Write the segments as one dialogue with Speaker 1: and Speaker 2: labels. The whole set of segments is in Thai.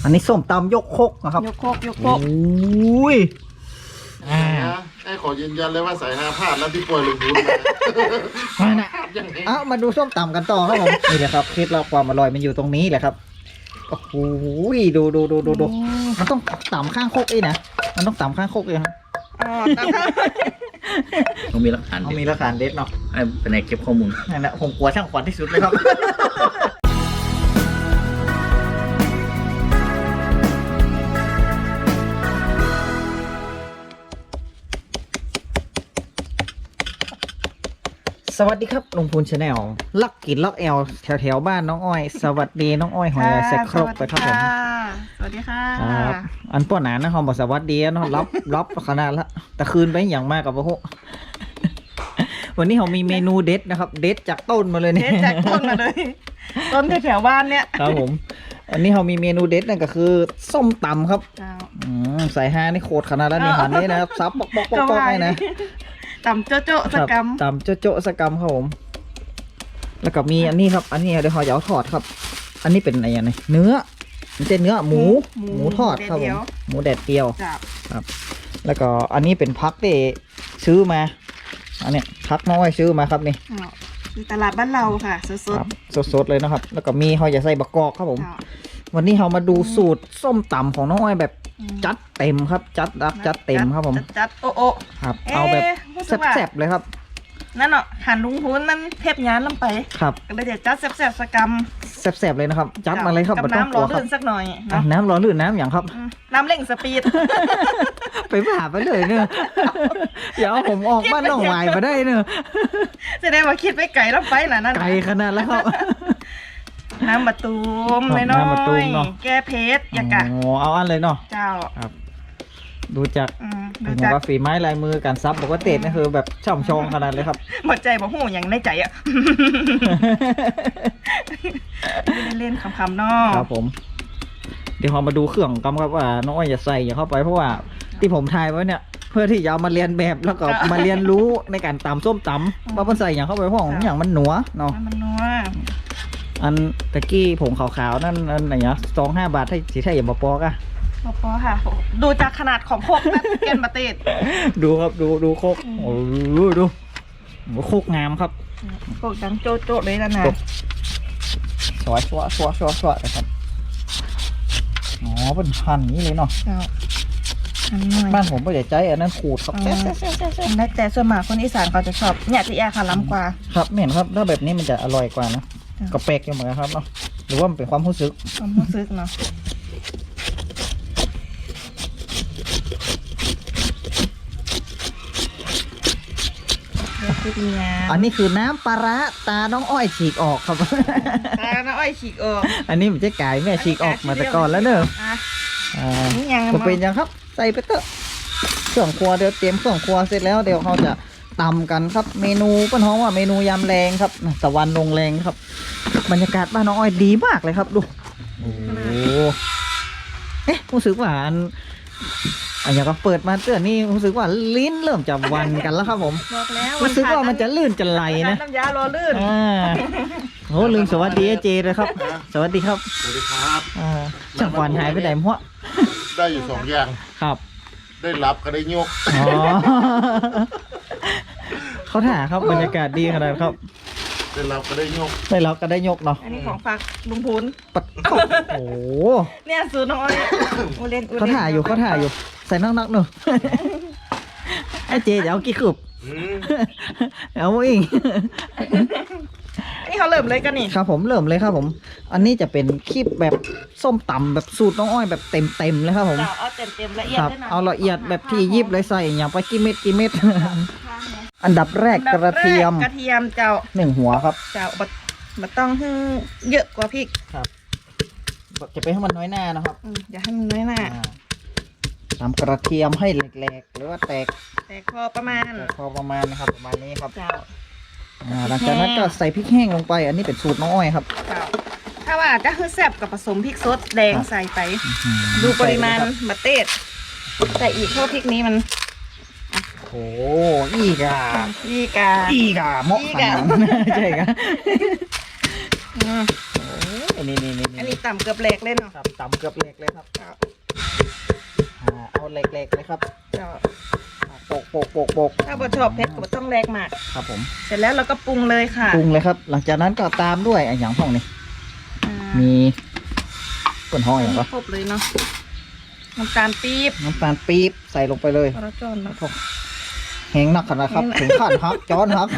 Speaker 1: อันนี้ส้มตำยกครกนะครับ
Speaker 2: ยกโคกยก
Speaker 1: โอ
Speaker 2: โคก้
Speaker 1: ย
Speaker 3: ไอ้ขอยืนยันเลยว่าสายฮาพลาดแล้วที่ป่วยลุงพูน
Speaker 1: มานะเอามาดูส้มตำกันต่อครับผมนี่แหละครับเคล็ดลับความอร่อยมันอยู่ตรงนี้แหละครับโอ้โหดูมันต้องตำข้างครกนะมันต้องตำข้างครกเลยครับ
Speaker 2: อ๋อตามข้าง
Speaker 4: ต้องมีหลักฐาน
Speaker 1: เอามีหลักฐานเด็ดเนาะ
Speaker 4: ไอ้เป็นไงเก็บข้อมูล
Speaker 1: นั่นแหละผมกลัวช่างขวัญที่สุดเลยครับ สวัสดีครับลุงพูนชาแนลลักกินลักแอลแถวบ้านน้องอ้อย สวัสดีน้องอ้อยหอยใส่ครกไปครับผม
Speaker 2: สวัสดีค่ะ
Speaker 1: ครับอันป้อนหนานะเขาบอกสวัสดีเนาะรับขนาดละแต่คืนไปอย่างมากกับพวก วันนี้เขามีเมนูเด็ดนะครับ เด็ดจากต้นมาเลยเนี่ย
Speaker 2: เด็ดจากต้นมาเลย ต้นแถวๆบ้านเนี่ย
Speaker 1: ครับผม อันนี้เขามีเมนูเด็ดนั่นก็คือส้มตำครับ
Speaker 2: เจ้า
Speaker 1: ใส่ฮานี่โคตรขนาดแล้วนี่หันนี่นะครับซับปอกให้นะ
Speaker 2: ต่ำโจ๊ะโจ๊ะสกรรม
Speaker 1: ตำโจ๊ะสกรรมครับผม แล้วก็มีอันนี้ครับ อันนี้เดี๋ยวเขาจะเอาทอดครับ อันนี้เป็นอะไรอย่างไรเนื้อมันเป็นเนื้อหมูทอดครับผมหมูแดดเดียว
Speaker 2: เจ้า
Speaker 1: ครับ แล้วก็อันนี้เป็นพักที่ซื้อมา อันนี้พักน้อยซื้อมาครับนี่
Speaker 2: ที่ตลาดบ้านเราค่ะสด
Speaker 1: ครับสดๆเลยนะครับ แล้วก็มีเขาจะใส่บะกอกครับผม
Speaker 2: ๆเจ้า
Speaker 1: วันนี้เรามาดูสูตรส้มตำของน้องอ้อยแบบจัดเต็มครับ จัดเต็มครับผม
Speaker 2: จัดโอะโอะ
Speaker 1: ครับ เอาแบบ
Speaker 2: รู้สึกว่า
Speaker 1: แซ่บๆเลยครับ
Speaker 2: นั่นเนาะหันลุงพูนนั่นเทพยานลำไป
Speaker 1: ครับ
Speaker 2: ก็เลยจะจัดแซ่บๆสกรรม
Speaker 1: แซ่บๆเลยนะครับ จัดมาเลยครับ
Speaker 2: กับ
Speaker 1: ไม่ต้อง
Speaker 2: น้ำ
Speaker 1: ก
Speaker 2: ร้
Speaker 1: ลั
Speaker 2: อ
Speaker 1: วน ครับ
Speaker 2: ลื่นสักหน่อย
Speaker 1: อ่ะ
Speaker 2: เนาะ
Speaker 1: น้ำร้อนหรือน้ำอย่างครับ
Speaker 2: น้ำเร่งสปีด
Speaker 1: ไปผ่าไปเลยเนอะอย่าเอาผมออกบ้านน้องวายมาได้เนอะ
Speaker 2: จะได้มาคิดไปไก่ลำไปน่ะนั่น
Speaker 1: ไกลขนาดแล้วครับ
Speaker 2: น้ำมะตูม
Speaker 1: ครับ
Speaker 2: เลยน้อ
Speaker 1: น้ำมะตูม
Speaker 2: ย
Speaker 1: เนาะ
Speaker 2: แก้เพชรอยากะ
Speaker 1: โอ้เอาอันเลยเนาะ
Speaker 2: เจ้า
Speaker 1: ครับ ดูจาก
Speaker 2: ดู
Speaker 1: เห็น
Speaker 2: จาก
Speaker 1: ว่าฝีไม้ลายมือการซับบอกว่าเตะนี่คือแบบช่ำชองขนาดเลยครับ
Speaker 2: หมดใจบอกหูอย่างในใจอ่ะ ไม่ได้เล่นคำๆเนอ
Speaker 1: ครับผม เดี๋ยวเรามาดูเครื่องกันครับว่าน้องอ้อยจะใส่อย่างเข้าไปเพราะว่าที่ผมทายไว้เนี่ย เพื่อที่จะเอามาเรียนแบบแล้วก็มาเรียนรู้ในการตำส้มตำว่ามันใส่อย่างเข้าไปเพราะของอย่างมันหนัวเนาะ
Speaker 2: มันนัว
Speaker 1: อันตะกี้ผงขาวๆนั่นอันไหนเนาะ25 บาทให้สีไทยอย่างบปอกอะ
Speaker 2: พอค่ะ ดูจากขนาดของโคกนะเกนบะเตด
Speaker 1: ดูครับดูโคกโอ้ดูโคกงามครับ
Speaker 2: โคกดังโจ๊ะโจ๊ะเลยนะนะ
Speaker 1: สวยเลยครับอ๋อเป็นพันนี้เลยเนาะ
Speaker 2: เจ้าอันหน่อย
Speaker 1: บ้านผมไม่ได้ใจอันนั้นขูดครับ
Speaker 2: ได้แต่ส่วนมากคนอีสานเขาจะชอบเนี่ยที่แอร์ค่ะล้ำกว่า
Speaker 1: ครับไม่เห็นครับถ้าแบบนี้มันจะอร่อยกว่านะ
Speaker 2: จ้ะ
Speaker 1: ก็แปลกอยู่เหมือนกันครับเนาะหรือว่ามันเป็นความรู้สึก
Speaker 2: ความรู้สึกเนาะ
Speaker 1: อันนี้คือน้ำปลาร้าตาน้องอ้อยฉีกออกครับ
Speaker 2: ตาน้าอ้อยฉีกออก
Speaker 1: อันนี้มันจะกายแม่ฉีกออกมาแต่ก่อนแล้วเนอะ
Speaker 2: อ่ะ
Speaker 1: อ่า
Speaker 2: นี่ยัง
Speaker 1: ก็เป็นยังครับ ใส่ไปเถอะเครื่องครัวเดี๋ยวเตรียมเครื่องครัวเสร็จแล้วเดี๋ยวเขาจะตำกันครับ เมนูป้าท้องว่าเมนูยำแรงครับตะวันลงแรงครับ บรรยากาศบ้านน้องอ้อยดีมากเลยครับดูโอ้โหเอ๊ะรู้สึกว่าอันอย่างก็เปิดมาเตือนนี่รู้สึกว่าลิ้นเริ่มจะวันกันแล้วครับผม
Speaker 2: บอกแล้ว
Speaker 1: รู้สึกว่ามันจะลื่นจะไหลนะ
Speaker 2: น้ำยารอลื่น
Speaker 1: โอ้ลืมสวัสดีเจเลยครับ สวัสดีครับ
Speaker 3: สวัสดีครับ
Speaker 1: ช่างขวัญหายไปไหนมั่ว
Speaker 3: ได้อยู่สองอย่าง
Speaker 1: ครับ
Speaker 3: ได้รับก็ได้ยก
Speaker 1: อ๋อ เขาถ่าครับบรรยากาศดีขนาดครับ
Speaker 3: ได้รับก็ได้ยก
Speaker 1: ได้รับก็ได้ยกเนาะ
Speaker 2: อันนี้ของฝากลุงพูน
Speaker 1: ปัดโอ้โห
Speaker 2: เนี่ยซื้อน้อยอูเล่น
Speaker 1: เขาถ่าอยู่ใส่นักๆหนู ไอ้เจจะเอากี่ขึบ เอาเอง
Speaker 2: นี่เขาเริ่มเลยกันนี่
Speaker 1: ครับผมเริ่มเลยครับผม อันนี้จะเป็นคลิปแบบส้มตำแบบสูตรน้องอ้อยแบบเต็มเลยครับผม
Speaker 2: เอาเต็มละเอียด
Speaker 1: ครับ
Speaker 2: ด้วยนะ
Speaker 1: เอาละเอียดแบบที่ยิบเลยใส่อย่างไปกี่เม็ด อันดับแรกกระเทียม
Speaker 2: กระเทียมเจ้า
Speaker 1: 1 หัวครับ
Speaker 2: เจ้าบัดต้องให้เยอะกว่าพริก
Speaker 1: จะไปให้มันน้อยหน้านะครับ
Speaker 2: อย่าให้มันน้อยหน้า
Speaker 1: ทำกระเทียมให้แหลกๆหรือว่าแตก
Speaker 2: แต่พอประมาณ
Speaker 1: พอประมาณนะครับประมาณนี้ครับ
Speaker 2: เจ้า
Speaker 1: หลังจากนั้นก็ใส่พริกแห้งลงไป อันนี้เป็นสูตรน้องอ้อยครับ
Speaker 2: เจ้าถ้าว่าจะคือแซ่บกับผสมพริกสดแดงใส่ไป ดูปริมาณมะเต็ดแต่อีกเพราะพริกนี้มัน
Speaker 1: โอ้อีกา
Speaker 2: อีกา
Speaker 1: เหมาะขนาดนั้นใช่ครับ
Speaker 2: อืม
Speaker 1: โอ้
Speaker 2: อันนี้ต่ำเกือบแหลกเลยเนาะ
Speaker 1: ครับตำเกือบเล็กเลยครับเอาเล็กๆเลยครับ
Speaker 2: เจ้า
Speaker 1: โปก
Speaker 2: ถ้าบ่ชอบเผ็ดก็บ่ต้องแหลกมาก
Speaker 1: ครับผม
Speaker 2: เสร็จแล้วเราก็ปรุงเลยค่ะ
Speaker 1: ปรุงเลยครับ หลังจากนั้นก็ตามด้วยอย่างห้องนี้
Speaker 2: อ่า
Speaker 1: มีก้นห้อยเหรอ
Speaker 2: ครบเลยเนาะน้ำตาลปี๊บ
Speaker 1: น้ำตาลปี๊บใส่ลงไปเลย
Speaker 2: พอเราจอนแล้ว
Speaker 1: แห้งนักขนาดครับ ถึงขั้นครับจอนครับ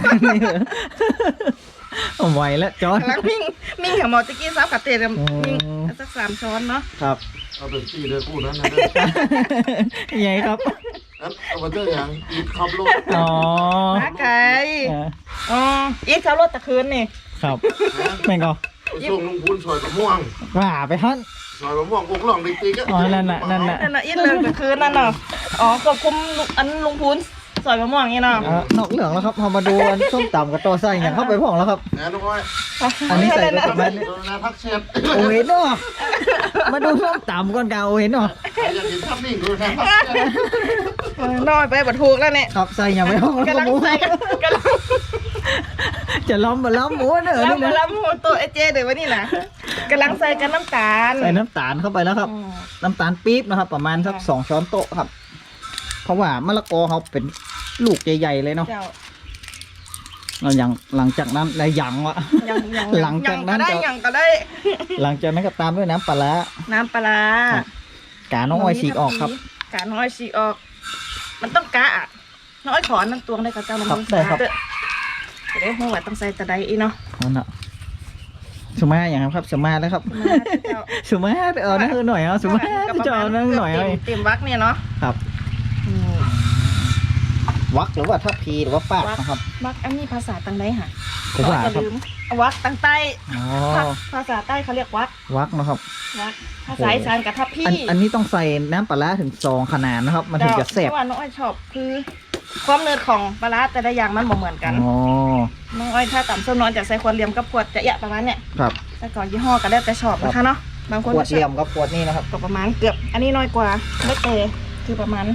Speaker 1: เอาไหวแล้วจอน
Speaker 2: กำลังมิ่งกับหมอตะกี้ซับกับเตะมิ่งสัก3 ช้อนเนาะ
Speaker 1: ครับ
Speaker 3: เอาเป็นตีเลยคู่นั้นนะ
Speaker 1: ยังไงครับ
Speaker 3: เอามาเจออย่างอีกขับรถ
Speaker 1: อ๋อ
Speaker 2: มาไก่อ๋ออีกเขารถตะคืนนี่
Speaker 1: ครับแม่งก็
Speaker 3: ไปส่งลุงพูนซอยมะม่วง
Speaker 1: ว่าไปฮั่น
Speaker 3: ซอยมะม่วงกงล่องติ๊กๆ
Speaker 1: อ๋อนั่นน่ะ
Speaker 2: นั่นน่ะอีกเลยตะคืนนั่นเนาะอ๋อควบคุมอันลุงพูนสอยมะม่วงนี่เนาะ
Speaker 1: นอกเหลืองแล้วครับพอมาดูอันส้มตำกับตัวไส้อย่างเข้าไปพ่องแล้วครับ
Speaker 3: นะน้องอ้อย
Speaker 1: อันนี้ใส่ไปประมาณ
Speaker 3: โดนนาพักเชฟ
Speaker 1: โอ้เห็นเนาะมาดูส้มตำก่อนกาโอเห็นเนาะ
Speaker 3: ใครอยากเห็นภาพนิ่งโดนนาพักเชฟ
Speaker 2: น้อยไปบัดถูกแล้วเนี่ย
Speaker 1: ครับใส่อย่างไปห้องแล้ว
Speaker 2: กำลัง
Speaker 1: หมู
Speaker 2: ใส่กำลัง
Speaker 1: จะล้อมมาล้อมหมูเนอะ
Speaker 2: ล้
Speaker 1: นี่นะ
Speaker 2: ำหัวตัวไอเจเดี๋ยววันนี้นะกำลังใส่กันน้ำตาล
Speaker 1: ใส่น้ำตาลเข้าไปแล้วครับ น้ำตาลปี๊บนะครับ ประมาณสัก2 ช้อนโต๊ะครับ เพราะว่ามะละกอเขาเป็นลูกใหญ่ๆเลยเนาะ
Speaker 2: เจ้า
Speaker 1: เราอย่างหลังจากนั้นอะไรอย่างวะ
Speaker 2: ยัง
Speaker 1: หลังจากนั้น
Speaker 2: ได้
Speaker 1: จะ
Speaker 2: ยังก็ได้
Speaker 1: หลังจากนั้นก็ตามด้วยน้ำปลาร้า
Speaker 2: น้ำปลาร้า
Speaker 1: ครับ กาน้องอ้อยฉีกออกครับ
Speaker 2: กาน้อยฉีกออก มันต้องกะอะน้อยขอนั่งตวงได้กับเจ้าน้ำ
Speaker 1: ครั
Speaker 2: มั
Speaker 1: บได้ครับ
Speaker 2: จะได้หัวต้องใส่ตะไดอีเนาะ
Speaker 1: นั่นน่ะสมาอย่างครับสมาแล้วครับ
Speaker 2: มาเจ้า
Speaker 1: สมาเอานั่นหน่อยเอาสมาจะเอานั่นหน่อยเอา
Speaker 2: เต็มวักเนี่ยเนาะ
Speaker 1: ครับ
Speaker 2: อืม
Speaker 1: วักหรือว่าทัพพีหรือว่าปากนะครับ
Speaker 2: วักอันนี้ภาษาตังไดค่ะ
Speaker 1: ภาษา
Speaker 2: อย่า
Speaker 1: ครับ
Speaker 2: ลืมวักตังใต้
Speaker 1: อ๋อ
Speaker 2: ภาษาใต้เขาเรียกวัก
Speaker 1: วักนะครับ
Speaker 2: วักภาษาอีสานกับทับพี่
Speaker 1: อันนี้ต้องใส่น้ำปลาร้าถึง2 ขนาดนะครับ มันถึงจะแซ่บ
Speaker 2: เพราะว่าน้องอ้อยชอบคือความเนืดของปลาร้าแต่ละอย่างมันบ่เหมือนกัน
Speaker 1: อ๋อ
Speaker 2: น้องอ้อยถ้าต่ำส้มนอนจะใส่ขวดเหลี่ยมกับขวดจะยะประมาณเนี้ย
Speaker 1: ครับ
Speaker 2: แต่ก่อนยี่ห้อก็แล้วแต่ชอบนะคะเนาะบางคน
Speaker 1: ขวด
Speaker 2: ก็ช
Speaker 1: เหลี่ย
Speaker 2: อบ
Speaker 1: มกับขวดนี่นะครับ
Speaker 2: ก็ประมาณเกือบ อันนี้น้อยกว่าไม่เตคือประมาณ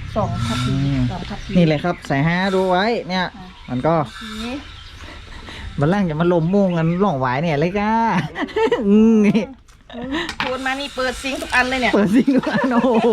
Speaker 2: 2 ทัพพี
Speaker 1: อืม
Speaker 2: 2 ทัพพี
Speaker 1: นี่เลยครับใส่5ดูไว้เนี่ย มันก็
Speaker 2: นี่
Speaker 1: มันล่างจะมาลมมุ่งกันหล่องหวายเนี่ยเลยก้านี่
Speaker 2: พูดมานี่เปิดซิงค์ทุกอันเลยเนี่ย
Speaker 1: เปิดซิงค์ดูอันโอ้โห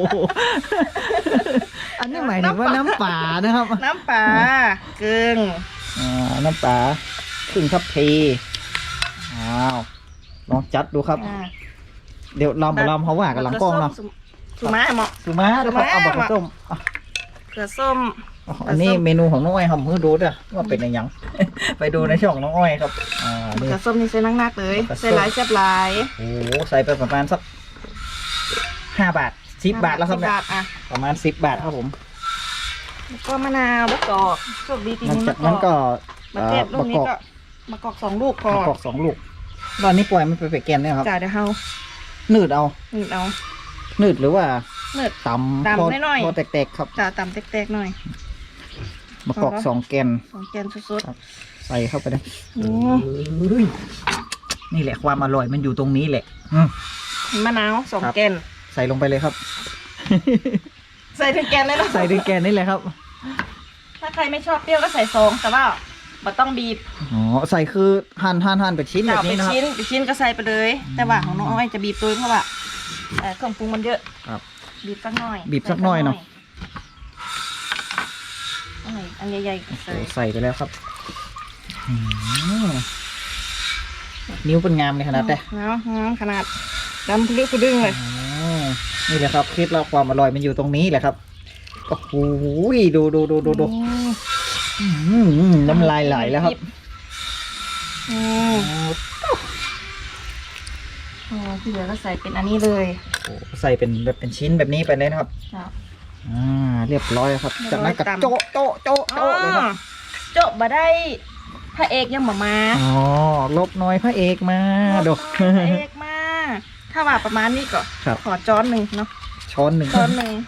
Speaker 1: อันนี้หมายถึงว่าน้ำป่านะครับ
Speaker 2: น้ำปลาเกลือ
Speaker 1: น้ำป่าขึ้นครับทีอ้าวลองจัดดูครับ เดี๋ยวลำเขาว่ากันหลังกล้องเนาะ
Speaker 2: สุมาเหมาะ
Speaker 1: สุมานะครับเอาบักกระส้มอ่ะ
Speaker 2: เกลือส้ม
Speaker 1: อันนี้เมนูของน้องอ้อยครับเพื่อดูด้วยว่าเป็นยัง ไปดูในช่องน้องอ้อยครับนี่
Speaker 2: เกลือส้มนี่ใส่นักๆเลย
Speaker 1: เกลือส้ม
Speaker 2: ใส่หลายแซ่บหลาย
Speaker 1: โอ้โหใส่ไปประมาณสัก5 บาท10 บาทแล้วครับ
Speaker 2: 10
Speaker 1: เนี่ย
Speaker 2: บาทอ่ะ
Speaker 1: ประมาณ10 บาทครับผม
Speaker 2: แล้วก็มะนาวมะกอกโชคดีปี
Speaker 1: หลัง
Speaker 2: นี้
Speaker 1: จากนั้นก็
Speaker 2: มะเทศลูกนี้ก็มะกอก2 ลูกพอ
Speaker 1: มะกอก2 ลูกตอนนี้ปล่อยมันไปแกนเนี่ยครับ
Speaker 2: จ่ายเดี๋ยวเฮา
Speaker 1: นืดเอา
Speaker 2: นี่เอา
Speaker 1: นืดหรือว่า
Speaker 2: เนืด
Speaker 1: ตำ
Speaker 2: ตำ
Speaker 1: พอ
Speaker 2: น้อยๆ
Speaker 1: พอแตกๆครับ
Speaker 2: จ่าต่ำแตกๆหน่อย
Speaker 1: มะกอก
Speaker 2: พอ
Speaker 1: 2 แกน
Speaker 2: 2 แกนสุด
Speaker 1: ใส่เข้าไปเลย
Speaker 2: ๆโอ้
Speaker 1: นี่แหละความอร่อยมันอยู่ตรงนี้แหละ
Speaker 2: มะนาว
Speaker 1: ครับ
Speaker 2: 2 แกน
Speaker 1: ใส่ลงไปเลยครับ
Speaker 2: ใส่ถึงแกนเลยเนาะ
Speaker 1: ใส่ถึงแกนนี่แหละครับ
Speaker 2: ถ้าใครไม่ชอบเปรี้ยวก็ใส่2แต่ว่าบ่ต้องบีบ
Speaker 1: อ๋อใส่คือหั่นเป็นชิ้นแบบ
Speaker 2: เป็
Speaker 1: นี้
Speaker 2: น
Speaker 1: นะครับ
Speaker 2: ชิ้นเป็นชิ้นก็ใส่ไปเลย แต่ว่าของน้องอ้อยจะบีบตัวเพราะว่าเครื่องปรุงมันเยอะ
Speaker 1: ครับ
Speaker 2: บีบสักหน่อย
Speaker 1: บีบสักหน่อยเนาะ
Speaker 2: อันใหญ่ๆก็
Speaker 1: โอ้
Speaker 2: ใส่
Speaker 1: ใส่ไปแล้วครับนิ้วเป็นงามเลยขนาดแต่
Speaker 2: เนาะขนาดดำพลึกพลึงเลย
Speaker 1: นี่แหละครับเคล็ดลับความอร่อยมันอยู่ตรงนี้แหละครับโอ้โหดูน้ำลายไหลแล้วครับ
Speaker 2: ที่เหลือก็ใส่เป็นอันนี้เลย
Speaker 1: โอ้ใส่เป็นแบบเป็นชิ้นแบบนี้ไปเลยนะครับเรียบร้อยครับจากนั้นก็โจ๊ะเลยครับ
Speaker 2: โจ๊ะบ่ได้พระเอกยังบ่มา
Speaker 1: อ๋อลบน้อยพระเอกมาดู
Speaker 2: พระเอกมา ถ้าว่าประมาณนี้ก็
Speaker 1: ครับ
Speaker 2: ขอจ้อนหนึ่งเนาะ
Speaker 1: ช้อนหนึ่ง
Speaker 2: จ้อนหนึ่ง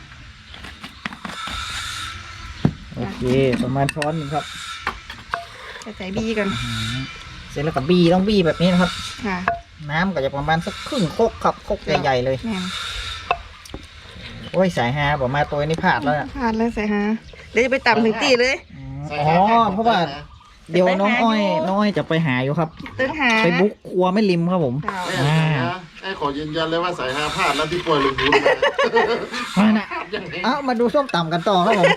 Speaker 1: โอเคประมาณช้อนหนึ่งครับ
Speaker 2: ใส่บีกัน
Speaker 1: เสร็จแล้วก็บีต้องบีแบบนี้นะครับ
Speaker 2: ค่ะ
Speaker 1: น้ำก็จะประมาณสักครึ่งโคกครับโคกใหญ่ๆเลย
Speaker 2: แม่น
Speaker 1: โอ้ยสายฮาบอกมาตัวนี้พลาดแล้วอะ
Speaker 2: พลาดเลยใส่ฮะเดี๋ยวจะไปตำถึงตีเลย
Speaker 3: ใส่
Speaker 1: อ๋อ
Speaker 3: ห้าพลด
Speaker 1: เพราะว่าเดี๋ยวน้องอ้อยจะไปหาอยู่ครับ
Speaker 2: ตึงหา
Speaker 1: ไปบุกครัวไม่ริมครับผม
Speaker 2: เจ้า
Speaker 3: ไอ้สายฮาไอ้ขอยืนยันเลยว่าสายฮาพลาดแล้วที่ป่วยลุงพูนมา
Speaker 1: มานะเอามาดูส้มตำกันต่อครับผม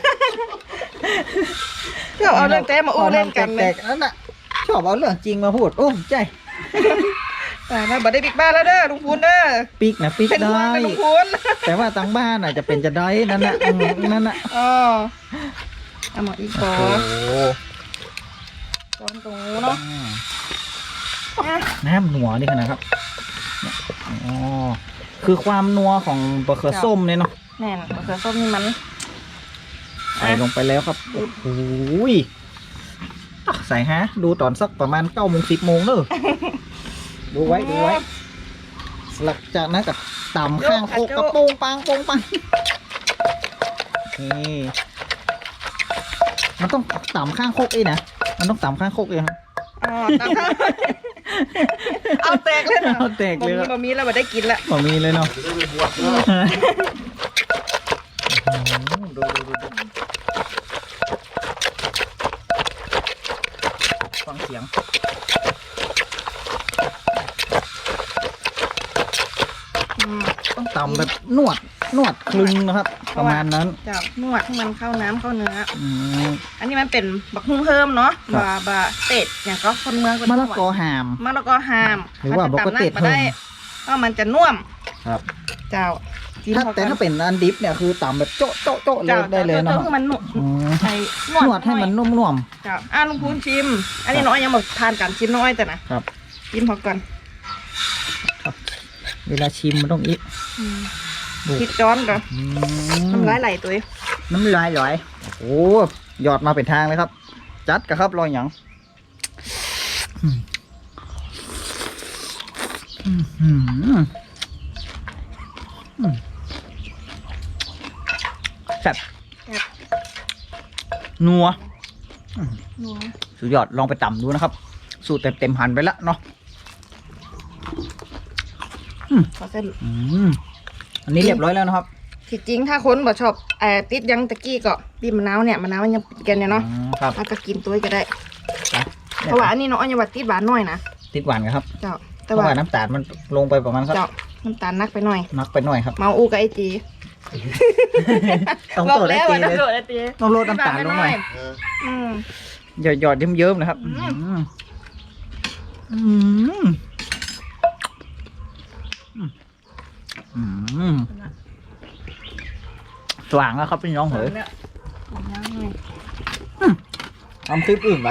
Speaker 2: เพื่อเอาเรื่องแต้มาอู้เล่นกัน
Speaker 1: แต
Speaker 2: เลย
Speaker 1: กๆนั่นน่ะชอบเอาเรื่องจริงมาพูดโอ้ใจ
Speaker 2: แต่ถ้าบัดได้บิ๊กบ้านแล้วเด้อลุงพูนเด้อ
Speaker 1: ปีกนะปีก
Speaker 2: เป็นห่ว
Speaker 1: ได้
Speaker 2: งเป็นลุงพูน
Speaker 1: แต่ว่าตังบ้านอ่ะจะเป็นจะได้นั่นน่ะนั่นน่ะ
Speaker 2: อ๋อเอาหมออีกก่อ
Speaker 1: โอ้
Speaker 2: น
Speaker 1: โห
Speaker 2: ก่อนตรงนู้นเนาะอ่ะ
Speaker 1: น้ำหนัวนี่ขนาดครับเนี่ยอ๋อคือความนัวของบะเขือส้มเนี่ยเนาะ
Speaker 2: แน่นมะเขือส้มนี่มัน
Speaker 1: ใส่ลงไปแล้วครับโอ้โหยอ่ะใส่ฮะดูตอนสักประมาณ9 โมง 10 โมงเนอะดูไว้หลังจากนั้นก็ต่ำข้างโคกกระโปงปังนี่มันต้องต่ำข้างโคกเองนะมันต้องต่ำข้างโคกเองครับ
Speaker 2: อ๋อตามข้างเอาแตกเลยนะ
Speaker 1: เอาแตกเลยครับ
Speaker 2: บะหมี่แล้วบัดได้กินละ
Speaker 1: ขอมีเลยเนาะ
Speaker 3: จะได้ไปบวชเนอะ
Speaker 1: ดูฟังเสียง
Speaker 2: อืม
Speaker 1: ต้องตำแบบนวดคลึงนะครับ ประมาณนั้น
Speaker 2: เจ้านวดให้มันเข้าน้ำเข้าเนื้อ
Speaker 1: อืม
Speaker 2: อันนี้มันเป็นบักฮุ่งเพิ่มเนาะ
Speaker 1: ครับ
Speaker 2: บะเป็ดอย่างก็คนเมืองคน
Speaker 1: มะละกอหาม
Speaker 2: มะละกอหาม
Speaker 1: หรือว่า
Speaker 2: มันจะ
Speaker 1: บักกะเต็ด
Speaker 2: ตำนัได้ก็มันจะน่วม
Speaker 1: ครับ
Speaker 2: เจ้าจิ้ม
Speaker 1: แต่ถ้าเป็นอันดิฟเนี่ยคือตำแบบโจ๊ะเลยได้เลยเนาะ
Speaker 2: คือมันนุ่ม
Speaker 1: อืม
Speaker 2: ใส่
Speaker 1: นวดให้มันนุ่ม
Speaker 2: เจ้าลุงพูนชิม อันนี้น้อยยังบอกทานกันชิมน้อยแต่นะครับ ชิมพอก่อน
Speaker 1: ๆเวลาชิมมันต้องอีก ดู
Speaker 2: คิดจ้อนก่อนน้ำลายไหลตัวเอง
Speaker 1: น้ำลายไหลโอ้หยอดมาเป็นทางเลยครับ จัดกะครับรอยหยังแซ่บนัว
Speaker 2: นัว
Speaker 1: สุดยอดลองไปตำดูนะครับ สูตรเต็มหันไปแล้วเนาะ
Speaker 2: ขอเส้น
Speaker 1: อันนี้เรียบร้อยแล้วนะครับ
Speaker 2: ที่จริงถ้าคนบ่ชอบติดยังตะกี้ก็บีบมะนาวเนี่ยมะนาวมันยังปิดกันเนี่ยเนาะ
Speaker 1: ครับ
Speaker 2: แล้วก็กินตัวก็ได้
Speaker 1: นะ
Speaker 2: เพราะว่าอันนี้น้องยังว่าติดหวานหน่อยนะ
Speaker 1: ติดหวานกันครับ
Speaker 2: เจ้า
Speaker 1: เพ
Speaker 2: แต่
Speaker 1: ราะ
Speaker 2: ว่า
Speaker 1: ว่าน้ำตาลมันลงไปประมาณสัก
Speaker 2: เจ้าน้ำตาลนักไปหน่อย
Speaker 1: นักไปหน่อยครับ
Speaker 2: เมาอูกับไอจี
Speaker 1: ต้อง
Speaker 2: บอก
Speaker 1: โตได้
Speaker 2: แล้ว
Speaker 1: ตี
Speaker 2: ว่า
Speaker 1: เล
Speaker 2: ต้อง
Speaker 1: ย
Speaker 2: โดดไอจี
Speaker 1: ต้องลดน้ำตาลลงหน่อย
Speaker 3: เออ
Speaker 2: อืม
Speaker 1: หยอดเยิ้มๆนะครับสว่างแล้วครับพี่น้องเหย
Speaker 2: เนี่ยขอน้ำหน่อย
Speaker 1: ทำคลิปอื่นไป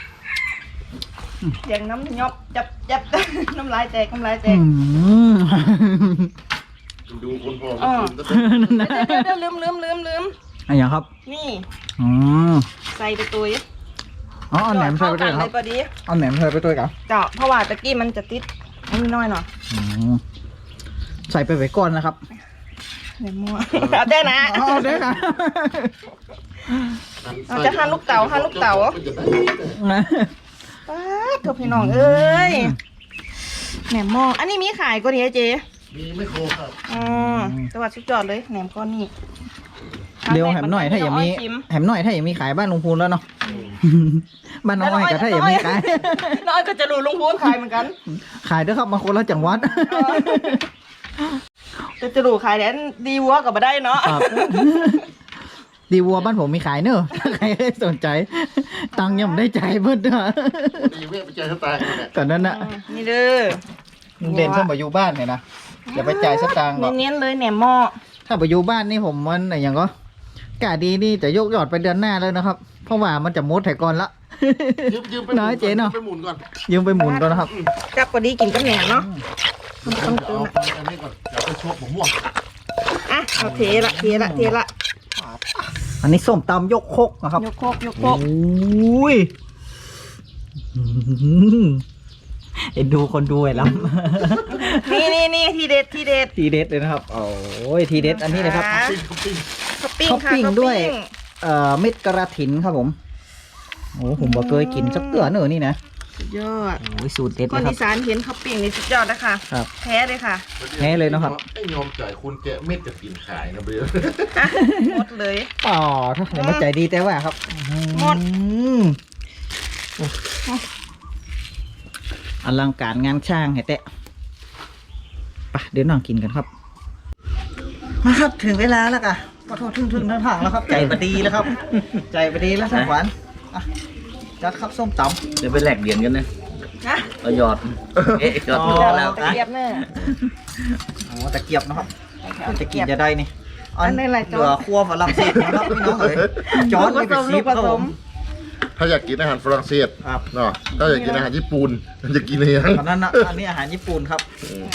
Speaker 2: เสียงน้ำยอบจับ น้ำลายแตกน้ำลายแตก
Speaker 3: ดูคนพ่อ
Speaker 2: อ๋อ
Speaker 3: คุณก็ได้
Speaker 2: เดี๋ยวลืม
Speaker 1: อะไรอย่างครับ
Speaker 2: นี่
Speaker 1: อืม
Speaker 2: ใส่ไปตัว
Speaker 1: อ๋อเอาแหนมใส่ไปด้วยครับ
Speaker 2: เลยพอดี
Speaker 1: เอาแหนมใส่ไปด้วยครับ
Speaker 2: เจาะเพราะว่าตะกี้มันจะติดอันนี้น้อยหน่อย
Speaker 1: ใส่ไปไว้ก่อนนะครับ
Speaker 2: เดี๋ยวมั่วเอาได้นะ
Speaker 1: เอาได้ค่ะ
Speaker 2: เราจะหั่นลูกเต๋า
Speaker 3: นะ
Speaker 2: ป้าดเถอะพี่น้องเอ้ยแหนมหม้ออันนี้มีขายก็ดีไอเจ
Speaker 3: มีไม่โคครับ
Speaker 2: อ๋อจังหวัดสุดยอดเลยแหนมก้อนนี่
Speaker 1: เดี๋ยวแหมหน่อยถ้าอย่างมีแหมหน่อยถ้าอย่างมีขายบ้านลุงพูนแล้วเนาะบ้านน้องอ้อยกับถ้าอย่างมีขาย
Speaker 2: น้อยก็จะรู้ลุงพูนขายเหมือนกัน
Speaker 1: ขายด้วยครับมาคนละจังหวัด
Speaker 2: จะรู้ขายแล้วดีวัวกับมาได้เนาะ
Speaker 1: ครับดีวัวบ้านผมมีขายเนอะถ้าใครได้สนใจ ตังค์ยังไม่ได้จ่ายเพิ่นด้วย
Speaker 3: ดีเว้ยไปเจอเขาตายกันเนี่ย
Speaker 1: ก่อนนั้นน่ะ
Speaker 2: นี่เด้อ
Speaker 1: เด่นส้มบอยู่บ้านเนี่ยนะอย่าไปจ่ายสตางค์หรอก
Speaker 2: เน้นๆเลยแหนมหม้อ
Speaker 1: ถ้าบอยู่บ้านนี่ผมมันอะไรอย่างก็กะดีนี่จะยกยอดไปเดือนหน้าเลยนะครับ เพราะว่ามันจะมดไถก่อนละ
Speaker 3: ยืมไป
Speaker 1: น้อยเจ๊เนาะ
Speaker 3: ไปหมุนก่อน
Speaker 1: ยืมไปหมุนก่อนนะครับ
Speaker 2: จับพอดีกินกับแหนมเนาะ
Speaker 3: เดี๋ยวเอาไปอันนี้ก่อนเดี๋ยวไปชกผมม่วง
Speaker 2: อ่ะเอาเทละ
Speaker 1: อันนี้ส้มตำยกครกนะครับ
Speaker 2: ยกโคก
Speaker 1: โอ้ยเอ็นดูคนดูไอ้ล้ำ
Speaker 2: นี่ทีเด็ด
Speaker 1: ทีเด็ดเลยนะครับโอ้ยทีเด็ดอันนี้เลยครับ
Speaker 3: ปิ้ง
Speaker 2: ท็อปปิ้งค่ะ
Speaker 1: ท็อปปิ้ง
Speaker 2: ท็อป
Speaker 1: ด้วย
Speaker 2: ปิ้ง
Speaker 1: เม็ดกระถินครับผมโอ้ผมบอกเคยกินสักเตือเนอะนี่นะ
Speaker 2: สุดยอด
Speaker 1: โอ้ยสูตรเด็ด
Speaker 2: ค
Speaker 1: เล
Speaker 2: น
Speaker 1: ยครั
Speaker 2: อี
Speaker 1: บ
Speaker 2: สานเห็นท็อปปิ้งนี่สุดยอดนะคะ
Speaker 1: ครับ
Speaker 2: แท้เลยค่ะ
Speaker 1: แท้เลยเนอะครับ
Speaker 3: ไอ้ยอมจ่ายคุณแกะเม็ดกับกินขายนะเบล
Speaker 2: หมดเลย
Speaker 1: อ๋อถ้าเดี๋ยวมาใจดีแต่ว่าครับ
Speaker 2: หมด
Speaker 1: อืมอลังการงานช่างให้แตะไปเดี๋ยวน้องกินกันครับ มาครับถึงเวลาแล้วกะขอโทษถึงทางแล้วครับ ใจบดีแล้วครับ ใจบดีแล้วสังขวัญอ่ะจัดครับส้มตำ
Speaker 4: เดี๋ยวไปแลกเหรียญกันนะ
Speaker 2: นะ
Speaker 4: เราหยอดหยอด
Speaker 1: อ๋อ
Speaker 4: หยอดแล้ว
Speaker 2: ตะเกียบเนอะ
Speaker 1: อ๋อตะเกียบนะครับจะกินจะได้นี่
Speaker 2: อันนี้อะไร
Speaker 1: เหลือครัวฝรั่งเศสนะครับพี่น้องเอ๋ยจอร์ดนี่เป็นซีฟครับผม
Speaker 3: ถ้าอยากกินอาหารฝรั่งเศส
Speaker 1: ครับ
Speaker 3: เนาะถ้าอยากกินอาหารญี่ปุ่นมันจะกินอะไรยัง
Speaker 1: ตอนนั้นนะอันนี้อาหารญี่ปุ่นครับ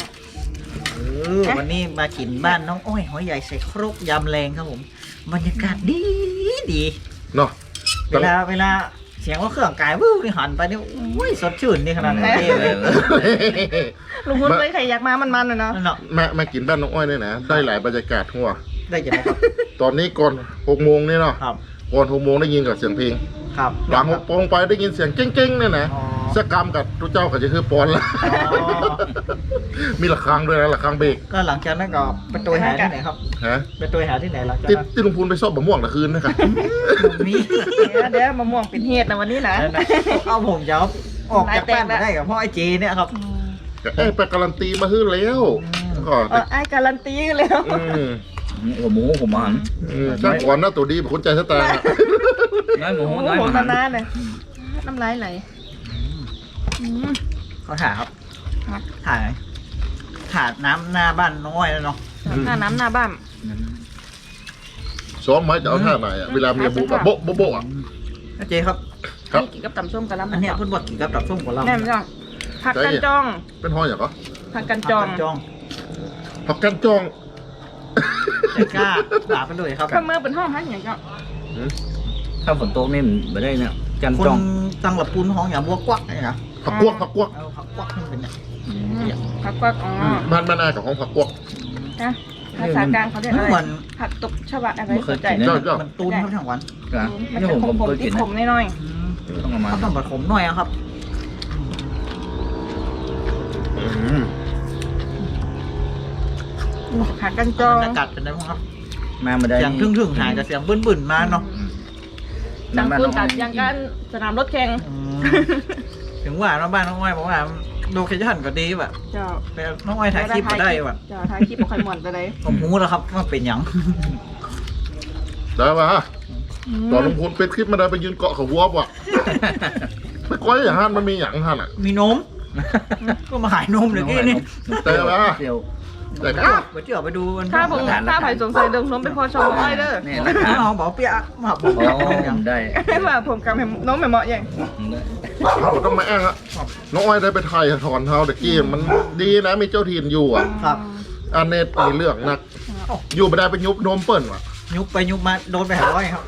Speaker 1: วันนี้มากินบ้านน้องอ้อยหอยใหญ่ใส่ครกยำแรงครับผมบรรยากาศดี
Speaker 3: เนาะ
Speaker 1: เวลาเสียงว่าเครื่องกายวู้นี่หันไปนี่โอ้ยสดชื่นนี่ขนาดนั้นเลย
Speaker 2: ลุงพุทธเลยใครอยากมามันๆเลยเนาะ
Speaker 1: นั่นเนาะ
Speaker 3: มากินบ้านน้องอ้อยเนี่ยนะได้หลายบรรยากาศทั่ว
Speaker 1: ได้ยังไงครับ
Speaker 3: ตอนนี้ก่อน6 โมงนี่เนาะ
Speaker 1: ครับ
Speaker 3: ก่อน6 โมงได้ยินกับเสียงเพลง
Speaker 1: ครับ
Speaker 3: หลัง6 โมงไปได้ยินเสียงเก้งๆเนี่ยนะ
Speaker 1: อ๋อ
Speaker 3: สกรรมกับทุกเจ้าก็จะคือปอนละ
Speaker 1: อ๋อ
Speaker 3: มีระฆังด้วยนะระฆังเบรก
Speaker 1: ก็หลังจากนั้นก็ไปตัวหาที่ไหนครับ
Speaker 3: ฮะ
Speaker 1: ไปตัวหาที่ไหนหลังจาก
Speaker 3: ที่
Speaker 1: นั้น
Speaker 3: ที่ลุงพูนไปซอบบะม่วงตะคืนนะครับ
Speaker 1: มี
Speaker 2: เดี๋ยวมะม่วงเป็นเห็ดนะวันนี้นะ
Speaker 1: เอาผมจะออกจากบ้านมาได้กับพ่อไอ้เจเนี่ยครับ
Speaker 3: ไปการันตีมาฮื้อแล้วก็
Speaker 2: ไอ้การันตีกันแล้ว
Speaker 4: หัวหมูผมหัน
Speaker 3: ช่างก่อนหน้าตัวดีแบบคนใจสตาร์
Speaker 4: น้อยหมู
Speaker 2: โอ้โห
Speaker 4: น้อยห
Speaker 2: ผม
Speaker 4: มู
Speaker 2: นานๆเลยน้ำลายไหล
Speaker 1: เขาถ่ายครับถ่ายน้ำหน้าบ้านน้อยแล้วเนาะ
Speaker 2: หน้าน้ำหน้าบ้าน
Speaker 3: ซ้อมไม้จะเอาท่าไหนอ่ะเวลาเมียบุกอะโบ๊ะโบ๊ะโบ๊ะอ่ะ
Speaker 1: ไอ้เจครับ
Speaker 3: ครับ
Speaker 2: นี่กินกับตำส้มกับล้ำ
Speaker 1: อันเนี้ยเพิ่นบอกกินกับตับส้มของเรา
Speaker 2: แน่ไม่ต้องผักกันจอง
Speaker 3: เป็นห้อยอย่างก็
Speaker 2: ผักกันจอง
Speaker 1: จอง
Speaker 3: ผักกันจอง
Speaker 1: ใจกล้าด่าไปเลยครับ
Speaker 2: ข้าวเมื่อเป็นห้องพักอย่างก็
Speaker 4: ถ้าฝนตกนี่มันไม่ได้เนี่ยจัน
Speaker 1: คน
Speaker 4: จ้อง
Speaker 1: ตังหลับปูนห้องอย่างบัวกวักนี่นะ
Speaker 3: ผักกวกผักกวก
Speaker 1: เอาผักกวักมันเป็นเนี่ย
Speaker 2: ผักกวักอ๋อ
Speaker 3: บ้านแม่นากับห้องผักกวก
Speaker 2: นะภาษากลางเขาเรียกอะไร
Speaker 1: เหมือน
Speaker 2: ผักตบชวะอะไรสนใจ
Speaker 3: เจ้าเจ้า
Speaker 1: มันตูนครับทั้งวัน
Speaker 2: มัน
Speaker 4: นี่
Speaker 2: จะ
Speaker 4: ผม
Speaker 2: ขม
Speaker 4: เคย
Speaker 2: ๆ
Speaker 4: กิ
Speaker 2: ที่
Speaker 4: นนะ
Speaker 2: ขมน้อย
Speaker 4: ต้องเอามา
Speaker 1: เขาต้องผสมหน่อยอะครับ
Speaker 2: ๆผักกันจอง
Speaker 1: อากาศเป็นไงบ้างครับ
Speaker 4: มาไม่ได้
Speaker 1: เสียงทึ่งๆหายกับเสียงบึ้นๆมาเนาะ
Speaker 2: จังคุณตัดอย่างกันสนามรถแข่ง
Speaker 1: ถึงว่าน้องบ้านน้องอ้อยบอกว่าโลเคชั่นก็ดีแบบ
Speaker 2: เจ้า
Speaker 1: แต่น้องอ้อยถ่ายคลิปมาได้แบบ
Speaker 2: เจ้าถ่ายคลิปบ่ค่อยม่วนไปเลย
Speaker 1: ผมรู้แล้วครับว่าเป็นหยัง
Speaker 3: ได้ปะตอนลุงพูนเป็นคลิปมาได้ไปยืนเกาะเขาวัวป่ะไปก้อยอย่างฮันมันมีอย่างฮันอ่ะ
Speaker 1: มีนม ก็มาขายนมเลยกี้นี่
Speaker 3: แต่ว่า
Speaker 4: เดียว
Speaker 3: แต่ก็
Speaker 1: ไปเที่ยวไปดูกัน
Speaker 2: ถ้าผมถ้าไผ่สงสัยเดิมน้มเป็นพอชมอ้อยเด้อ
Speaker 4: นี่นะค
Speaker 1: น้
Speaker 4: รับ
Speaker 1: องบอกเปียกมาบอก
Speaker 4: อ๋อ
Speaker 1: ยัง
Speaker 4: ได้
Speaker 2: ให้ว่าผมกับน้องแม่เหมาะอย่าง
Speaker 3: เราต้องมาแอ้งอะน้องอ้อยได้ไปไทยถอนเท้าตะกี้มันดีนะมีเจ้าถิ่นอยู่อ่ะ
Speaker 1: ครับ
Speaker 3: อันเนตมีเรื่องนัก อยู่ไม่ได้ไปยุบนมเปิ้ลว่ะ
Speaker 1: ยุบไปยุบมาโดนไป500ครับ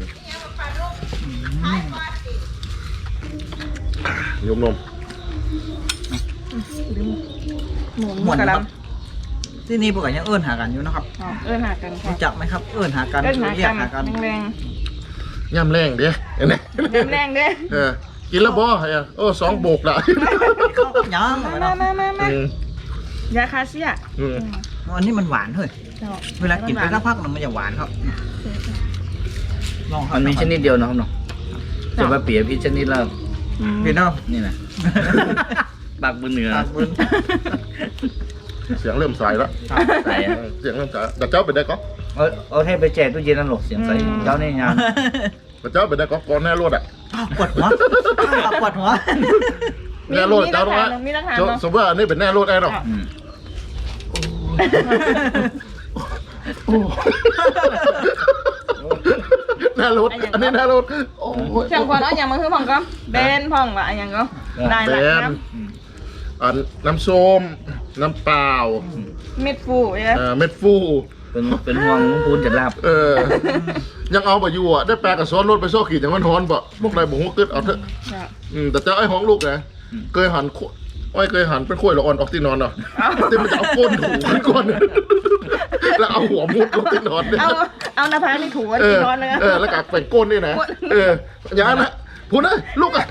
Speaker 3: ยุบนม
Speaker 2: หมูกระล
Speaker 1: ที่นี่พวกกันยังเอื้อนหากันอยู่นะครับ
Speaker 2: ำหากันค่ะ
Speaker 1: รู้จักไหมครับเอื้อนหากัน
Speaker 2: เอิ้นหา
Speaker 1: เรีย
Speaker 2: กั
Speaker 1: ก
Speaker 2: น
Speaker 1: หากัน
Speaker 2: แรง
Speaker 3: ย่ำแรงเด้เห็นไหม
Speaker 2: ๆแรงๆเด้
Speaker 3: กินแล้วบ่เฮ้ยโอ้2 โบกละ
Speaker 1: เขายัง
Speaker 2: มา
Speaker 3: อืม
Speaker 2: ยาคาเซีย
Speaker 3: อืม
Speaker 1: อันนี้มันหวานเฮ้ย
Speaker 2: เจ้า
Speaker 1: เวลากินไปสักพักมันจะหวานครับลองครั
Speaker 4: มั
Speaker 1: บ
Speaker 4: นมีชนิดเดียวนะครับเนาะจะมาเปรียบพี่ชนิดแล้ว
Speaker 1: พี่น้อง
Speaker 4: นี่นะปากบนเหนือ
Speaker 1: ปากบุญ
Speaker 3: เสียงเริ่มใสแล้ว
Speaker 4: ใส่อะ
Speaker 3: เสียงเริ่มใสแต่เจ้าไปได้ก็
Speaker 4: เอาให้ไปแจกตู้เย็นนั่นหรอกเสียงใส่เจ้านี่งาน
Speaker 3: แต่เจ้าไปได้ก็ก่อนแน่รวดอ่ะ
Speaker 1: ปวดหัวปวดหัว
Speaker 3: แน่รวดเจ้าต้องว่า
Speaker 2: มีราคา
Speaker 3: สมมติว่าอันนี้เป็นแน่รวดแน่หรอก
Speaker 4: อืม
Speaker 3: แน่รวดอันนี้แน่รวดโอ้ย
Speaker 2: เชียงควันเอาอย่างมาคือพ่องก็เบนพ่องว่าอันอย่างก็ได้
Speaker 3: แบ
Speaker 2: ละ
Speaker 3: น
Speaker 2: น้
Speaker 3: อันน้ำส้มน้ำเปล่า
Speaker 2: ำเม็ดฟูเอ้ย
Speaker 3: เม็ดฟู
Speaker 4: เป็นห่วงลุงพูนจะลาบ
Speaker 3: ยังเอาไปอยู่อ่ะได้แปลกับซ้อนรถไปโซ่ขี่อย่างมันฮ้อนบ่พวกนายบอกว่าเกิดเอาเถอะแต่เจ้าไอ้ห้องลูกนะเคยหันอ้อยเคยหันเป็นข้วยละอ่อนออกที่นอนเนาะแต่มันจะเอาก้นถูขึ้นก่อนแล้วเอาหัวมุดลงที่นอนเนี่ย
Speaker 2: เอาหน้าผากนี่ถูอัน
Speaker 3: เอ
Speaker 2: ที่
Speaker 3: อน
Speaker 2: อนเลย
Speaker 3: แล้วกักเป็นก้นนี่นะอย่างนั้นนะพูดนะลูกอ่ะ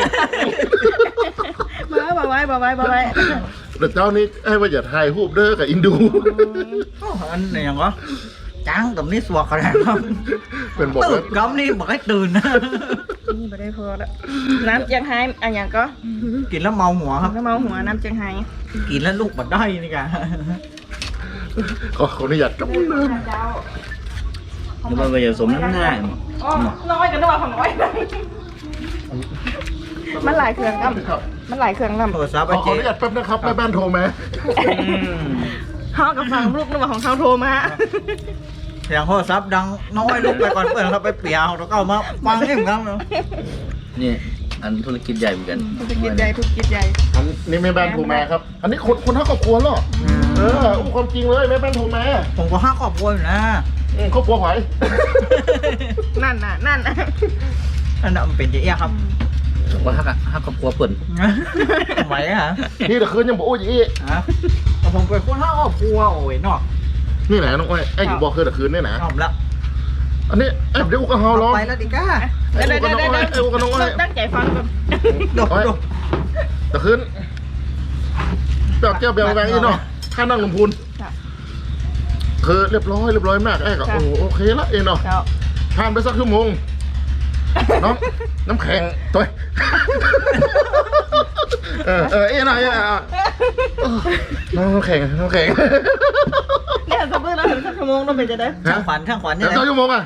Speaker 2: มาไว้
Speaker 3: แต่เจ้านี่ให้ว่าอย่าถ่ายรูปเด้อกับอินดู
Speaker 1: อันไหนยังก็จ้างตรงนี้สวกขนาดนั้น
Speaker 3: เป็นบอก
Speaker 1: ตื่
Speaker 3: ว่าน
Speaker 1: กำนี่บอกให้ตื่นนะ
Speaker 2: นี่ไม่ได้พอแล้วน้ำเจียงไฮ้อันอย่างก็
Speaker 1: กินแล้วเมาหัวครับ
Speaker 2: น้ำเมาหัวน้ำเจียงไฮ้
Speaker 1: กินแล้วลูกบัดได้นี่กะ
Speaker 3: ขออนุญาตกับมือ
Speaker 2: เจ้า
Speaker 4: หรือว่าไปสมน้ำหน้า
Speaker 2: อ๋อน้อยกันด้วยของน้อยมันหลายเครื่องครับ
Speaker 3: ครับ
Speaker 2: มันหลายเครื่องครับ
Speaker 1: โทรศัพท์
Speaker 3: ข
Speaker 1: ไอ้
Speaker 3: อ
Speaker 1: เจ๊
Speaker 3: อนุญาตแป๊บนะครับแม่บ้านโทรมา
Speaker 2: เขากับฟังลูกนึกว่าของเขาโทรมา
Speaker 1: เสียงโทรศัพท์ดังน้อยลูกไปก่อนเพื่อนครับไปเปียแล้วก็มาฟังเองครับ
Speaker 4: นี่อันธุรกิจใหญ่เหมือนกัน
Speaker 2: ธุรกิจใหญ่ธุรกิจใหญ่
Speaker 3: อันนี้แม่บ้านโทรมาครับ อันนี้คนทั้งครอบครัวเหรออู้ความจริงเลยแม่บ้านโทรมา
Speaker 1: ผมก็ห้าครอบครัวอยู่นะ
Speaker 3: ครอบครัวไหว
Speaker 2: นั่นน่ะนั่นน่ะ
Speaker 1: อันนั้นมันเป็นเจ๊ครับ
Speaker 4: ว่าฮักครอบครัวเปิ่น
Speaker 1: ไหวฮะ
Speaker 3: นี่แต่คืนยังบอกโอ้ยอี
Speaker 1: ฮะแต่ผมเป็นคนห้าครอบครัวโอ้ยนอก
Speaker 3: นี่แหละน้องอ้อยไอ้อยู่บอกคืนแต่คืนนี่นะ
Speaker 1: ชอบแล้ว
Speaker 3: อันนี้เดี๋ยวกูก็เฮาร้อง
Speaker 1: ไปแล้วดิก้า
Speaker 3: ไอ้กูก็น้องอ้อยไอ้กูก็น้องอ้อย
Speaker 2: ตั้งใจฟังก่อน
Speaker 1: ดกดก
Speaker 3: แต่คืนเปล่าแก้วเบลแวงอีเนาะข้านั่งลำพูนคือเรียบร้อยมากไอ้ก็โอเคละเองเนาะ
Speaker 2: เจ้า
Speaker 3: ผ่านไปสักชั่วโมงน้ำแข็งตัวเอ้ยหน่อยน้ำแข็ง
Speaker 2: เนี่ยสมมติเราถึงสักชั่วโมงเราเป็นจะได้
Speaker 1: ช่างขวัญเนี่
Speaker 3: เดี๋ย
Speaker 1: ยว
Speaker 3: ชั่วโมงอ่ะ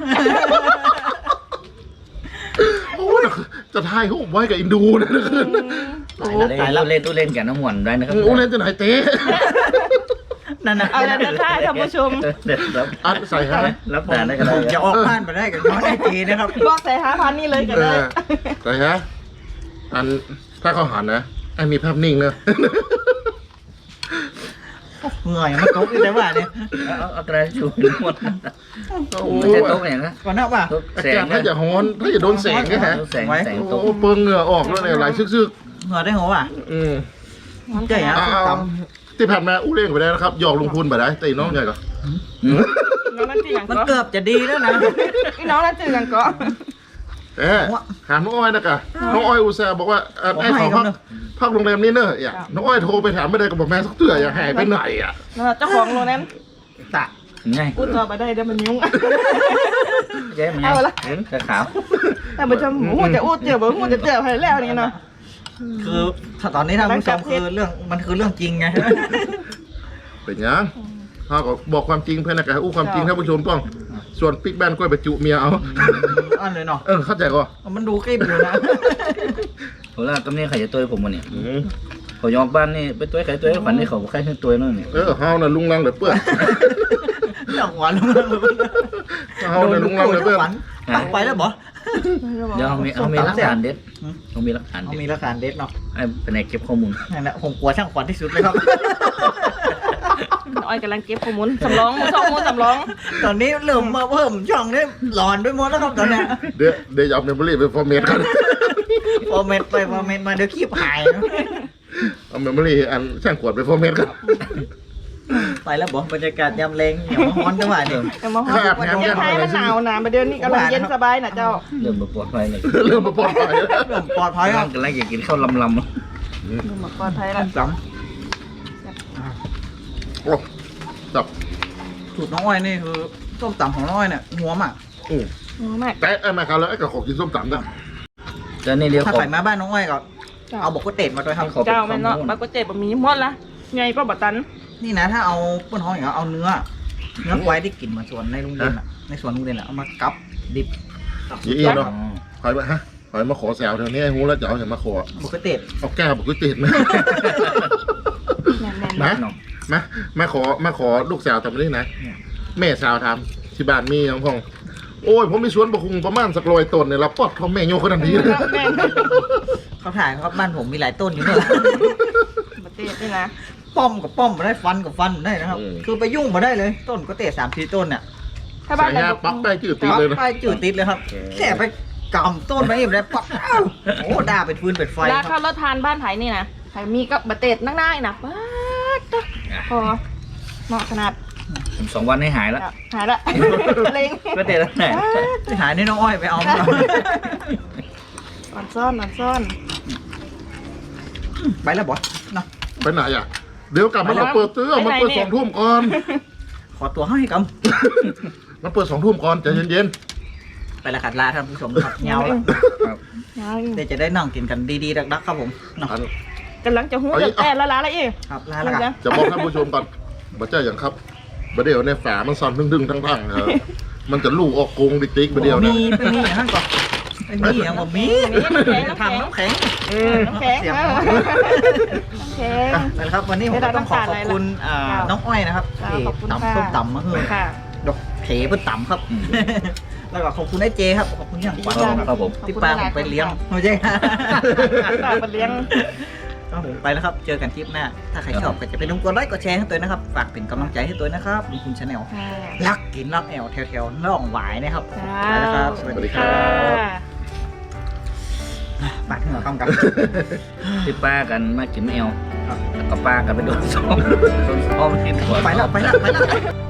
Speaker 3: โอ้จะทายเขาไว้กับอินดูนะคืนโอ้
Speaker 4: ตายแล้วเล่นตู้เล่นกันน้ำหวนได้นะครับ
Speaker 3: โอ้เล่นจะไหนเต้
Speaker 1: นั่นนะ
Speaker 2: เอาละเดี๋ยวท่าท่านผู้ชม
Speaker 4: รับ
Speaker 3: อัดใส่ฮะ
Speaker 4: รับทานได้กัน
Speaker 1: ผมจะออกบ้านไปได้กับน้องได้จีนะครับ
Speaker 2: บอกใส่5,000นี่เลยกันเลย
Speaker 3: ใส่ฮะอันถ้าเขาหันนะไอ้มีภาพนิ่งเนอะ
Speaker 1: เหนื่อยมันตกอยู่แต่ว่าเนี่ย
Speaker 4: เอากระดาษชูหมดไม่ใช่โต๊ะอย่างนะ
Speaker 1: ก่อนหน้าป่ะ
Speaker 4: โต๊ะ
Speaker 3: อา
Speaker 4: แส
Speaker 3: กาง ศถ้าจะฮ้อนถ้าจะโดนแสงไงฮะ
Speaker 4: โต๊ะแสงโต๊ะ
Speaker 3: โอ้เปิงเหงื่อออกแล้วเนี่ยไหลซึก
Speaker 1: เหนื่อยได้หัวป่ะ
Speaker 3: ๆอืม
Speaker 1: ใช่ฮะ
Speaker 3: เอาที่ผ่านมาอู้เล่งไปได้นะครับหยอกลงทุนไปได้แต่น้องใหญ่ก็
Speaker 2: น้องนั่นจืออย่าง
Speaker 1: มัน
Speaker 2: ก็
Speaker 1: เกือบจะดีแล้วนะ
Speaker 2: พี่น้องนั่นจืออย่างก็
Speaker 3: หาน้องอ้อยนะกะน้องอ้อยอุตส่าห์บอกว่าไอ้ขอพักโรงแรมนี้เนอะอย่าน้องอ้อยโทรไปถามไม่ได้ก็บอกแม่สักเตื่อยอย่าหายไปไหนอ่ะ
Speaker 2: เจ้าของโรงแรม
Speaker 1: ตะ
Speaker 4: ไง
Speaker 2: พูดต่อไปได้เดี๋ยวมันยุ่ง
Speaker 4: เจ๊มันไงเห็นขาว
Speaker 2: แต่ผู้ชมหูจะอู้เจอบ่หูจะเจอให้แล้วนี่เนาะ
Speaker 1: คือถ้าตอนนี้ท่านผู้ชมคือเรื่องมันคือเรื่องจริงไง
Speaker 3: เป็นยังเขาก็บอกความจริงเพื่อนนะกะอู้ความจริงท่านผู้ชมต้องส่วนปิ๊กแบนก็ไปจุเมียเอา
Speaker 1: อันเลยเนาะ
Speaker 3: เข้าใจก็
Speaker 1: มันดูคลิปอยู่นะ
Speaker 4: ผมว่ากำเนิดไข่จะตัวผมวันนี้ผมยอมบ้านนี่ไปตัวไข่ตัวขวัญนี่เขาไข่ตัวนั่นนี่
Speaker 3: เฮาน่ะลุงลังเหลือเปื้อน
Speaker 1: เรื่องหวานลง
Speaker 3: เฮาน่ะลุงลังเหลือเปื้อน
Speaker 1: ตักไปแล้วบ่
Speaker 4: เดี๋ยวเขามีหลักฐานเด็ดเขามีหลักฐาน
Speaker 1: เขา
Speaker 4: เด็ด
Speaker 1: มีหลักฐานเด็ดเนาะ
Speaker 4: ไอ้เป็นไงเก็บข้อมูล
Speaker 1: นั่นแหละผมกลัวช่างขวัญที่สุดเลยครับ
Speaker 2: อ้อยกำลังเก็บข้อมูลสำรองข้อมูลสำรอง
Speaker 1: ตอนนี้เริ่มมาเพิ่มช่องนี้หลอนไปหมดแล้วครับตอนเนี้ย
Speaker 3: เดี๋ยวจะเอาเมมโมรี่ไปฟอร์เมตกัน
Speaker 1: ฟอร์เมตไปฟอร์เมตมาเดี๋ยวคลิปหาย
Speaker 3: เอาเมมโมรี่อันช่างขวดไปฟอร์เมตกัน
Speaker 1: ไปแล้วบอกบรรยากาศยามแรงอย่ามาฮ้อนจังหวะเดิม
Speaker 2: แต่มาฮอดยังไงมันหนาวนะประเดี๋ยวนี้กำลังเย็นสบายนะเจ้า
Speaker 4: เริ่มปลอดภัยเลย
Speaker 3: เริ่มมาปลอดภัยแล้ว
Speaker 1: เริ่มปลอดภัยครับ
Speaker 4: กำลังอยากกินข้าวลำ
Speaker 2: ดูหมดปลอดภัยแล้ว
Speaker 1: ส
Speaker 3: โอ้จับ
Speaker 1: สูตรน้องอ้อยนี่คือส้มตำของน้องอ้อยเนี่ยหัวมาก
Speaker 2: แม่
Speaker 3: แต่ไอ้แม่ครับแล้วไอ้กับของกินส้มตำนะ
Speaker 4: จะนี่เดียว
Speaker 1: ถ้า
Speaker 4: ขอ
Speaker 1: ใครมาบ้านน้องอ้อยก็เอาบอกก๋วยเตี๋ยวมาด้วยครับ
Speaker 2: เจ้าแม่เนาะปลากระเจ็บมีหมดละไงก็บัตัน
Speaker 1: นี่นะถ้าเอาเพื่อนท้องอย่างเอาเนื้อควายที่กินมาสวนในโรงเรียนอ่ะในสวนโรงเรียนอ่ะเอามากับดิบ
Speaker 3: ยี่เนาะคอยมาฮะคอยมาขอแซวเท่านี้ไอ้หูแล้วจะเอาอย่างมาขอ
Speaker 1: บอกก๋วยเตี๋ยว
Speaker 3: เอาแก้วบอกกูติดไหม
Speaker 2: แม่น
Speaker 3: นะมาขอลูกสาวทำได้นะแม่สาวทำที่บ้านมีน้องพองโอ้ยผมมีสวนบะคุงประมาณสักร้อยต้นเนี่ยเราปอดเขาแม่โยขนาดนี้เลย
Speaker 2: แม่
Speaker 1: เขาถ่ายครับบ้านผมมีหลายต้นอยู่เนี่ย
Speaker 2: บัตเต้นี่นะ
Speaker 1: ป้อมกับป้อมมาได้ฟันกับฟันได้นะครับ คือไปยุ่งมาได้เลยต้นก๋วยเตี๋ยว3-4ต้นเนี่ย
Speaker 2: ถ้าบ้า
Speaker 3: ใส่
Speaker 2: นไหน
Speaker 3: ยาปักได้จืดตีเลยนะ
Speaker 1: ไปจืดติดเลยครับ แค่ไปกำต้นไปเองได้ปักอ้าวโอ้ด่าเป็นฟืนเป็นไฟ
Speaker 2: รา
Speaker 1: ค
Speaker 2: คา
Speaker 1: รับ
Speaker 2: รถทานบ้านไผ่นี่นะไผ่มีกับบัตเต้นั่งได้นะป๊าดพอเหมาะขนาด
Speaker 4: 2 วันให้หายแล้ว
Speaker 2: หายละเล็ง
Speaker 4: ก็เด็ดแล้วไหน
Speaker 1: ไปหาในน้องอ้อยไปเอามา
Speaker 2: อ่อนซ่อนอ่อนซ่อน
Speaker 1: ไปแล้วบอสเนาะ
Speaker 3: ไปไหนอ่ะเดี๋ยวกลับมาเราเปิดเตื้อมาเปิด2 ทุ่มก่อน
Speaker 1: ขขอตัวให้ก
Speaker 3: มันเปิด2 ทุ่มก่อนใจเย็น
Speaker 1: ำไปละขัดลาท่านผู้ชมครับเงาแล้ว
Speaker 4: ครับ
Speaker 1: เดี๋ยวจะได้นั่งกินกันดีๆดักๆครับผมเนาะ
Speaker 3: ๆอัน
Speaker 2: กำลังจะหูจะแต่ละละอีก
Speaker 1: ครับลาแล้วกัน
Speaker 3: จะบอกท่านผู้ชมก่อนบ่เจ้าอย่างครับบ่เดี๋ยวในฝามันสั่นดึงๆทั้งๆมันจะลูกออกกงติ๊กๆบ่เดียวนะ
Speaker 1: มีไปมีอย่างนั้นก่อนไปมีอย่างบ่มีทำน้ำแข็ง
Speaker 2: น้ำแข็ง
Speaker 1: เสียบ
Speaker 2: น้ำแข็ง
Speaker 1: นั่นแหละครับวันนี้ผมก็ต้องขอขอบคุณน้องอ้อยนะครับ
Speaker 2: จ้า
Speaker 1: ที่
Speaker 2: ขอบคุณ
Speaker 1: ตำ
Speaker 2: ค่ะ
Speaker 1: ส้มตำมาเฮ้ย
Speaker 2: ค่ะ
Speaker 1: ดอกเขเพิ่นตำครับ แล้วก็ขอบคุณไอ้เจครับขอบคุณอย่างขวัญ
Speaker 4: ครับผม
Speaker 1: ที่ปลาผมไปเลี้ยงไม่ใช่
Speaker 2: ฝากไปเลี้ยง
Speaker 1: ครับผมไปแล้วครับเจอกันคลิปหน้าถ้าใครชอบก็จะไปลงกดไลค์กดแชร์ให้ตัวนะครับฝากเป็นกำลังใจให้ตัวนะครับมีคุณชาแนล
Speaker 2: ค่ะ
Speaker 1: รักกินรักแอวแถวๆน่องหวายนะครับ
Speaker 2: จ้า
Speaker 1: ไปแล้วครับ
Speaker 3: สวัสดีครับ
Speaker 1: ปาดหัวคำกับ
Speaker 4: ที่ป้ากันมากินแมวแล้วก็ป้ากันไปโดนซ้อมกินหัว
Speaker 1: ไปแล้ว